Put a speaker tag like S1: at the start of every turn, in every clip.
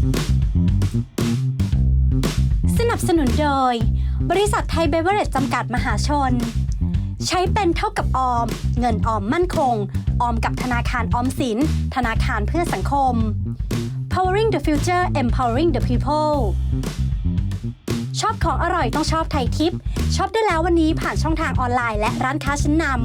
S1: สนับสนุนโดยบริษัทไทยเบเวอเรจจำกัดมหาชนใช้เป็นเท่ากับออมเงินออมมั่นคงออมกับธนาคารออมสินธนาคารเพื่อสังคม Powering the Future Empowering the People ชอบของอร่อยต้องชอบไทยทิปช็อปได้แล้ววันนี้ผ่านช่องทางออนไลน์และร้านค้าชั้นนำ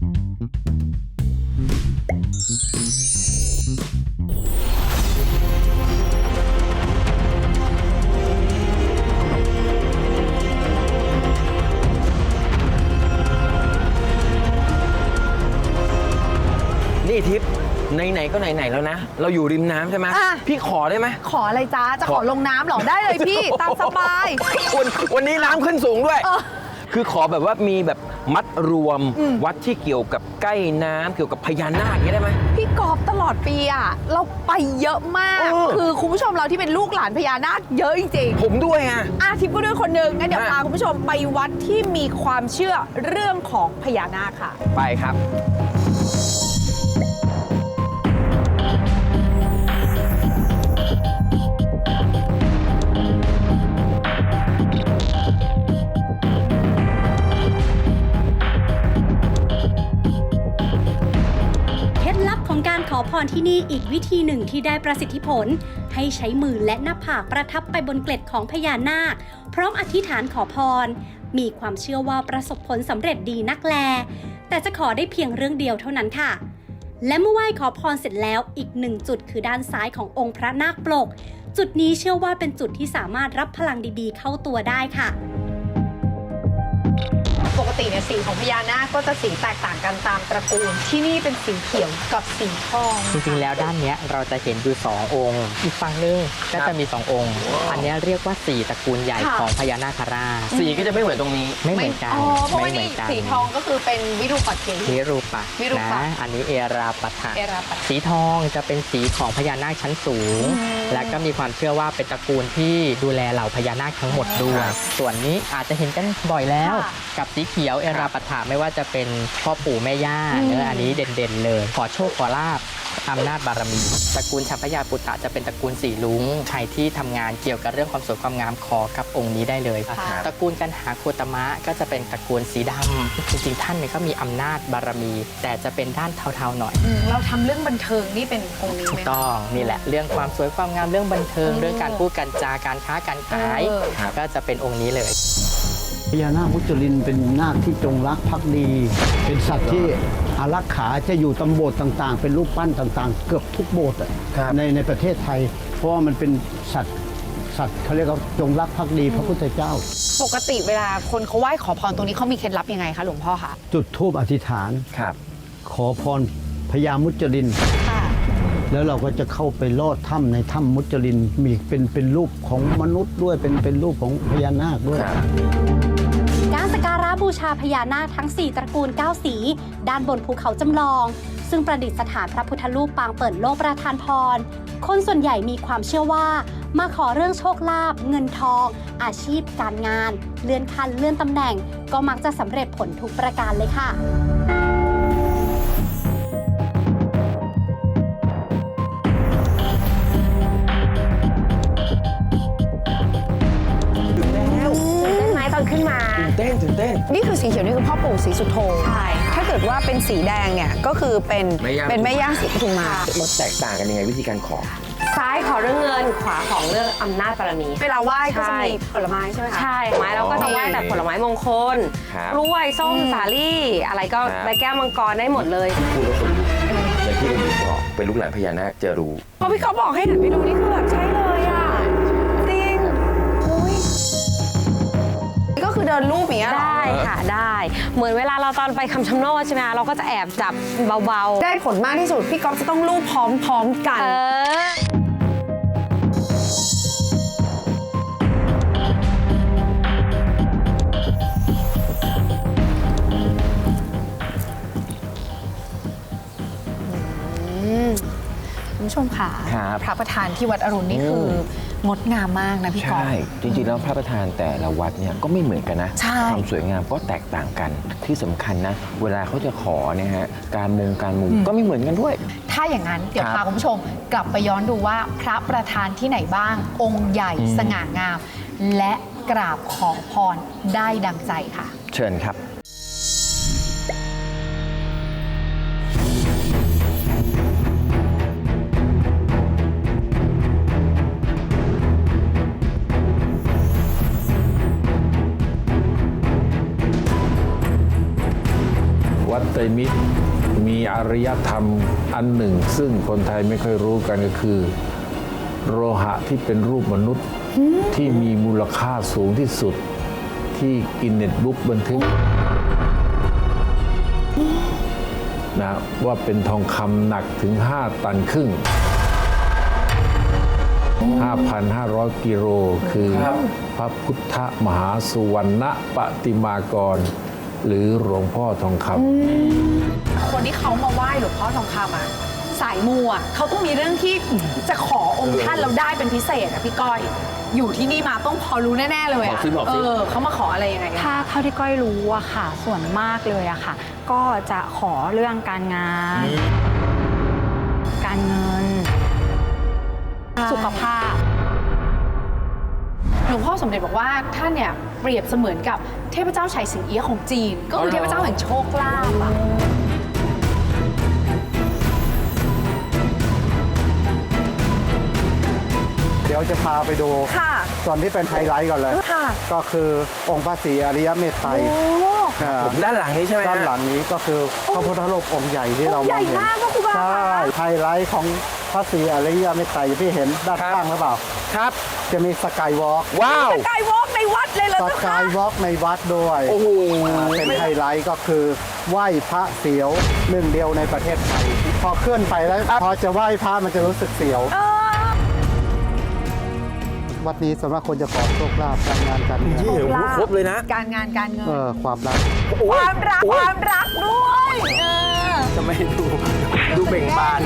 S2: นี่ทิพย์ไหนๆก็ไหนๆแล้วนะ เราอยู่ริมน้ำใช่ไหมพี่ขอได้ไหม
S3: ขออะไรจ้าจะขอลงน้ำเหรอได้เลยพี่ตามสบาย
S2: วันนี้น้ำขึ้นสูงด้วย คือขอแบบว่ามีแบบมัดรวมวัดที่เกี่ยวกับใกล้น้ำเกี่ยวกับพญานาคอย่างนี้ได้ไหม
S3: พี่กอบตลอดปีอ่ะเราไปเยอะมาก คือคุณผู้ชมเราที่เป็นลูกหลานพญานาคเยอะจริง
S2: ผมด้วยไง
S3: ทิพย์ก็ด้วยคนหนึ่งงั้นเดี๋ยวพาคุณผู้ชมไปวัดที่มีความเชื่อเรื่องของพญานาคค่ะ
S2: ไปครับ
S1: ของการขอพรที่นี่อีกวิธีหนึ่งที่ได้ประสิทธิผลให้ใช้มือและหน้าผากประทับไปบนเกล็ดของพญานาคพร้อมอธิษฐานขอพรมีความเชื่อว่าประสบผลสำเร็จดีนักแลแต่จะขอได้เพียงเรื่องเดียวเท่านั้นค่ะและเมื่อไหว้ขอพรเสร็จแล้วอีกหนึ่งจุดคือด้านซ้ายขององค์พระนาคปลกจุดนี้เชื่อว่าเป็นจุดที่สามารถรับพลังดีๆเข้าตัวได้ค่ะ
S3: ปกติเนี่ยสีของพญานาคก็จะสีแตกต่างกันตามตระกูลที่นี่เป็นสีเขียวกับสีทอง
S4: จริงๆแล้วด้านนี้เราจะเห็นอยู่2องค์อีกฝั่งนึงก็จะมี2องค์อันนี้เรียกว่า4ตระกูลใหญ่ของพญานาคราช
S2: สีก็จะไม่เหมือนตรงนี้
S4: ไม่เหมือนกัน
S3: เพราะว่านี่สีทองก็คือเป็นวิรูปักเก
S4: วิรูปักนะอันนี้เอราปัฏฐะสีทองจะเป็นสีของพญานาคชั้นสูงและก็มีความเชื่อว่าเป็นตระกูลที่ดูแลเหล่าพญานาคทั้งหมดด้วยส่วนนี้อาจจะเห็นกันบ่อยแล้วกับสีเขียวเอราปัฏฐะไม่ว่าจะเป็นพ่อปู่แม่ย่าเนื้ออันนี้เด่นๆเลยขอโชคขอลาภอำนาจบารมีตระกูลชัพพยาปุตตะจะเป็นตระกูลสีลุงใครที่ทำงานเกี่ยวกับเรื่องความสวยความงามขอกับองค์นี้ได้เลยตระกูลกันหาโคตมะก็จะเป็นตระกูลสีดำจริงๆท่านเนี่ยก็มีอำนาจบารมีแต่จะเป็นด้านเทาๆหน่อย
S3: เราทำเรื่องบันเทิงนี่เป็นองค์นี้ไหม
S4: ถูกต้องนี่แหละเรื่องความสวยความงามเรื่องบันเทิงเรื่องการพูดการจาการค้าการขายก็จะเป็นองค์นี้เลย
S5: พญานาคมุจลินเป็นนาคที่จงรักภักดี เป็นสัตว์ที่อารักขาจะอยู่ตำโบสถ์ต่างๆเป็นรูปปั้นต่างๆเกือบทุกโบสถ์ในประเทศไทยเพราะว่ามันเป็นสัตว์เขาเรียกว่าจงรักภักดีพระพุทธเจ้า
S3: ปกติเวลาคนเขาไหว้ขอพรตรงนี้เขามีเคล็ดลับยังไงคะหลวงพ่อคะ
S5: จุดธูปอธิษฐานขอพรพญามุจลินแล้วเราก็จะเข้าไปลอดถ้ำในถ้ำมุจลินมีเป็นรูปของมนุษย์ด้วยเป็นรูปของพญานาคด้วย
S1: การสักการะบูชาพญานาคทั้ง4ตระกูล9สีด้านบนภูเขาจำลองซึ่งประดิษฐานพระพุทธรูปปางเปิดโลกประทานพรคนส่วนใหญ่มีความเชื่อว่ามาขอเรื่องโชคลาภเงินทองอาชีพการงานเลื่อนขั้นเลื่อนตำแหน่งก็มักจะสำเร็จผลทุกประการเลยค่ะ
S3: ขึ้นมา
S2: ตื่นเต้น
S3: นี่คือสีเขียวนี่คือพ่อปู่ศรีสุโธใช่ถ้าเกิดว่าเป็นสีแดงเนี่ยก็คือเป็นแม่ย่าศรีปทุมมา
S2: มันแตกต่างกันยังไงวิธีการขอ
S6: ซ้ายขอเรื่องเงินขวาของเรื่องอำนาจบารมี
S3: เวลาไหว้ก็จะมีผลไม้ใช่ไหมคะ
S6: ใช่ไม้เราก็จะไหว้แต่ผลไม้มงคลกล้วยส้มสาลี่อะไรก็ใบแก้วมังกรได้หมดเลย
S2: พูดแล้วคนอย่างที่คุณบอกเป็นลูกหลานพญานาคจะรู้
S3: พอพี่เขาบอกให้หันไปดูนี่คือแบบใช่เลยอ่ะจริงก็คือเดินรูปอย่างเงี้ย
S6: ได้ค่ะได้เหมือนเวลาเราตอนไปคำชะโนดใช่ไหมเราก็จะแอบจับเบา
S3: ๆได้ผลมากที่สุดพี่ก๊อฟจะต้องรูปพร้อมๆกันคุณผู้ชมค่ะ
S2: ครับ
S3: พระประธานที่วัดอรุณนี่คืองดงามมากนะพี่กอ
S2: ใช่
S3: ฟ
S2: จริงๆแล้วพระประธานแต่ละวัดเนี่ยก็ไม่เหมือนกันนะ
S3: ใช่
S2: ความสวยงามก็แตกต่างกันที่สำคัญนะ เวลาเขาจะขอเนี่ยฮะการมุงก็ไม่เหมือนกันด้วย
S3: ถ้าอย่างนั้นเดี๋ยว
S2: ครับ
S3: พาคุณผู้ชมกลับไปย้อนดูว่าพระประธานที่ไหนบ้าง องค์ใหญ่สง่างาม และกราบขอพรได้ดังใจค่ะ
S2: เชิญครับ
S7: วัดไตรมิตรมีอารยธรรมอันหนึ่ง ซึ่งคนไทยไม่ค่อยรู้กันก็คือ โลหะที่เป็นรูปมนุษย์ที่มีมูลค่าสูงที่สุดที่กินเน็ตบุ๊กบันทึกนะว่าเป็นทองคำหนักถึง 5 ตันครึ่ง 5,500 กิโลคือพระพุทธมหาสุวรรณปฏิมากร หรือหลวงพ่อทองคำ
S3: คนที่เขามาไหว้หลวงพ่อทองคำอ่ะสายมูอ่ะเขาต้องมีเรื่องที่จะขอองค์ท่านแล้วได้เป็นพิเศษอ่ะพี่ก้อย อยู่ที่นี่มาต้องพอรู้แน่ ๆ เลย
S2: บอ
S3: อ่ะ
S2: กสิบอกสิ
S3: เขามาขออะไรยังไงกัน
S8: ถ้าเท่าที่ก้อยรู้อะค่ะ ส่วนมากเลยอะค่ะ ก็จะขอเรื่องการงาน การเงิน สุขภาพ
S3: หลวงพ่อสมเด็จบอกว่าท่านเนี่ยเปรียบเสมือนกับเทพเจ้าไฉสิงเอี้ยะของจีน ก็คือเทพเจ้าแห่งโชคลาภอ่ะ
S5: เดี๋ยวจะพาไปดู
S3: ค่ะ
S5: ส่วนที่เป็นไฮไลท์ก่อนเลย
S3: ค่ะ
S5: ก็คือองค์พระศรีอริยเมตไตรอ่า
S2: ด้านหลังนี้ใช่ไหมฮะ
S5: ด้านหลังนี้ก็คือพระพุทธรูปองค์ใหญ่ที่เรา
S3: ใหญ่
S5: มองเห็น
S3: มากนะครูบา
S5: ใช่ไฮไลท์ของพระศรีอริยเมตไตรที่เห็นด้านข้างหรือเปล่า
S2: ครับ
S5: จะมีสกายวอล์ก
S2: ว้าว
S3: สกายวอล์กในวัดเลยเหรอ
S5: ส
S3: เจ้าคะ
S5: กายวอล์กในวัดด้วย
S2: โอ้โห
S5: เป็นไฮไลท์ก็คือไหว้พระเสียวหนึ่งเดียวในประเทศไทย พอเคลื่อนไปแล้วพอจะไหว้พระมันจะรู้สึกเสียว วัดนี้สำหรับคนจะขอโชคลาภการงานการเงิน
S2: นี่ครบเลยนะ
S3: การงานการเงิน
S5: ความรัก
S3: ความรักความรักด้วย
S2: ทำไมดูเบ่งบาน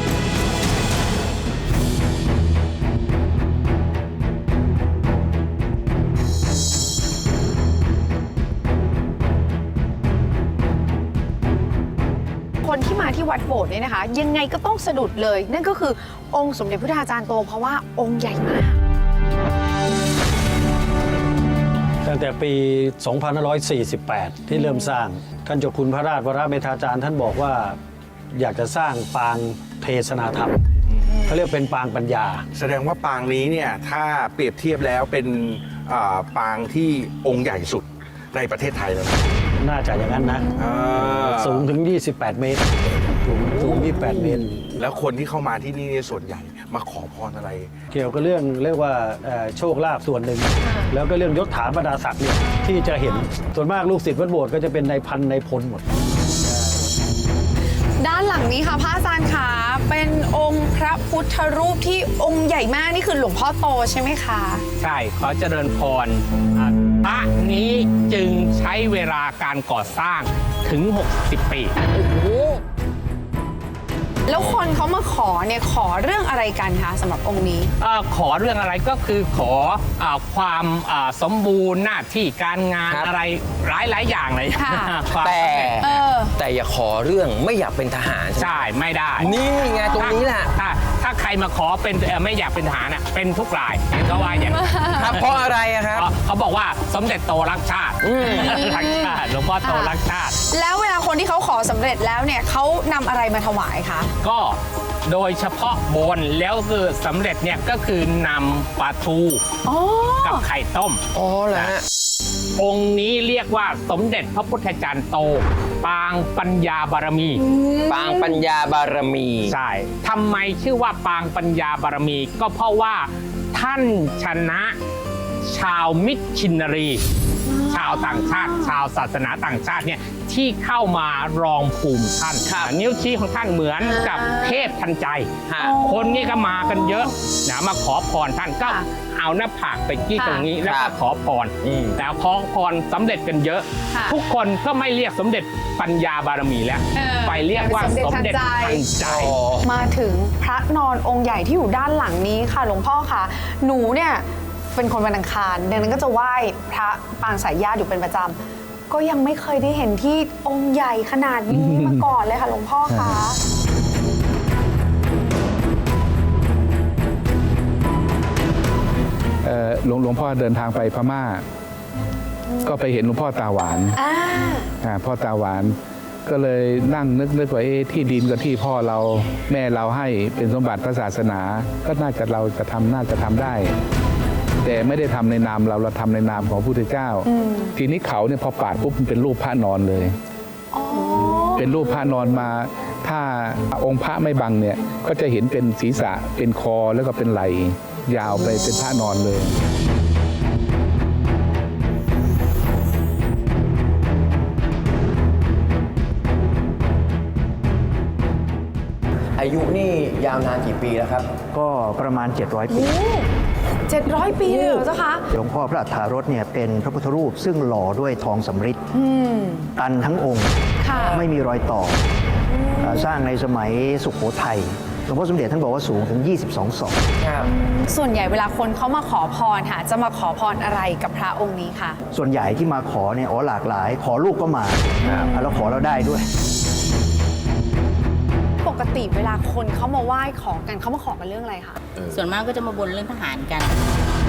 S3: คนที่มาที่วัดโบสถ์เนี่ยนะคะ ยังไงก็ต้องสะดุดเลย นั่นก็คือองค์สมเด็จพระอาจารย์โต เพราะว่าองค์ใหญ่มาก
S9: ตั้งแต่ปี 2548 ที่เริ่มสร้าง ท่านเจ้าคุณพระราชวรเมธาจารย์ท่านบอกว่าอยากจะสร้างปางเทศนาธรรมเขาเรียกเป็นปางปัญญา
S10: แสดงว่าปางนี้เนี่ยถ้าเปรียบเทียบแล้วเป็นปางที่องค์ใหญ่สุดในประเทศไทยแล้วนะ
S9: น่าจะอย่างนั้นนะ สูงถึง 28 เมตร สูง 28 เมตร
S10: แล้วคนที่เข้ามาที่นี่เนี่ยส่วนใหญ่มาขอพรอะไร
S9: เกี่ยวกับเรื่องเรียกว่าโชคลาภส่วนหนึ่ง แล้วก็เรื่องยศถาบรรดาศักดิ์เนี่ยที่จะเห็นส่วนมากลูกศิษย์วัดโบสถ์ก็จะเป็นนายพันนายพลหมด
S3: ด้านหลังนี้ค่ะพระอาจารย์คะเป็นองค์พระพุทธรูปที่องค์ใหญ่มากนี่คือหลวงพ่อโตใช่ไหมคะ
S11: ใช่ ขอเจริญพรพระนี้จึงใช้เวลาการก่อสร้างถึง 60 ปี
S3: แล้วคนเขามาขอเนี่ยขอเรื่องอะไรกันคะสำหรับองค์นี้
S11: ขอเรื่องอะไรก็คือขอความสมบูรณ์หน้าที่การงาน
S2: ครับ
S11: อะไรหลายอย่างเลย
S3: ค่ะ
S11: ความ
S2: แต่
S11: สำเร็จ
S2: แต่อย่าขอเรื่องไม่อยากเป็นทหารใช่ไหม
S11: ใช่ไม่ได้
S2: นี่ไงตรงนี้แหละ
S11: ถ้าใครมาขอเป็นไม่อยากเป็นทหารน่ะเป็นทุกรายเขาว่าอย่างนั้น
S2: ครับเพราะอะไรอะครับ
S11: เขาบอกว่าสมเด็จโตรักชาติรักชาติหลวงพ่อโตรักชาติ
S3: แล้วเวลาคนที่เขาขอสำเร็จแล้วเนี่ยเขานำอะไรมาถวายคะ
S11: ก็โดยเฉพาะบนแล้วคือสำเร็จเนี่ยก็คือนำปลาทูกับไข่ต้ม
S2: อ๋อเหรอฮะ
S11: องค์นี้เรียกว่าสมเด็จพระพุทธจารย์โต ปางปัญญาบารมี
S2: ปางปัญญาบารมี
S11: ใช่ทำไมชื่อว่าปางปัญญาบารมี ก็เพราะว่าท่านชนะชาวมิชชินนารีชาวต่างชาติ ชาวศาสนาต่างชาติเนี่ยที่เข้ามารองภูมิท่านนิ้วชี้ของท่านเหมือนกับเทพทันใจ คนนี่ก็มากันเยอะนะมาขอพรท่านก็เอาหน้าผากไปจี้ตรงนี้แล้วก็ขอพรแต่ขอพรสำเร็จกันเยอะ ทุกคนก็ไม่เรียกสมเด็จปัญญาบารมีแล้วไปเรียกว่าสมเด็จทันใจ
S3: มาถึงพระนอนองค์ใหญ่ที่อยู่ด้านหลังนี้ค่ะหลวงพ่อคะหนูเนี่ยเป็นคนวันอังคารดังนั้นก็จะไหว้พระปางสายญาติอยู่เป็นประจำก็ยังไม่เคยได้เห็นที่องค์ใหญ่ขนาดนี้มาก่อนเลยค่ะหลวงพ่อคะ
S7: หลวงพ่อเดินทางไปพม่า ก็ไปเห็นหลวงพ่อตาหวานพ่อตาหวานก็เลยนั่งนึกว่าที่ดินกับที่พ่อเราแม่เราให้เป็นสมบัติพระศาสนา ก็น่าจะทำได้ แต่ไม่ได้ทำในนามเราทำในนามของพระพุทธเจ้า ทีนี้เขาเนี่ยพอปาดปุ๊บมันเป็นรูปพระนอนเลย เป็นรูปพระนอนมา ถ้าองค์พระไม่บังเนี่ยก็จะเห็นเป็นศีรษะเป็นคอแล้วก็เป็นไหล่ยาวไปเป็นพระนอนเลย
S2: อายุนี่ยาวนานกี่ปีแล้วครับ
S12: ก็ประมาณ 700 ปี
S3: 700 ปีเลยเหรอเจ้าคะ
S12: หลวงพ่อพระอัฏฐารถเนี่ยเป็นพระพุทธรูปซึ่งหล่อด้วยทองสำริดตันทั้งองค์ ไม่มีรอยต่อสร้างในสมัยสุโขทัยหลวงพ่อสมเด็จท่านบอกว่าสูงถึง 22 ศอก
S3: ส่วนใหญ่เวลาคนเขามาขอพรค่ะจะมาขอพรอะไรกับพระองค์นี้คะ
S12: ส่วนใหญ่ที่มาขอเนี่ยหลากหลาย ขอลูกก็มาแล้วขอเราได้ด้วย
S3: ปกติเวลาคนเขามาไหว้ขอกันเขามาขอกันเรื่องอะไรคะ
S13: ส่วนมากก็จะมาบนเรื่องทหารกัน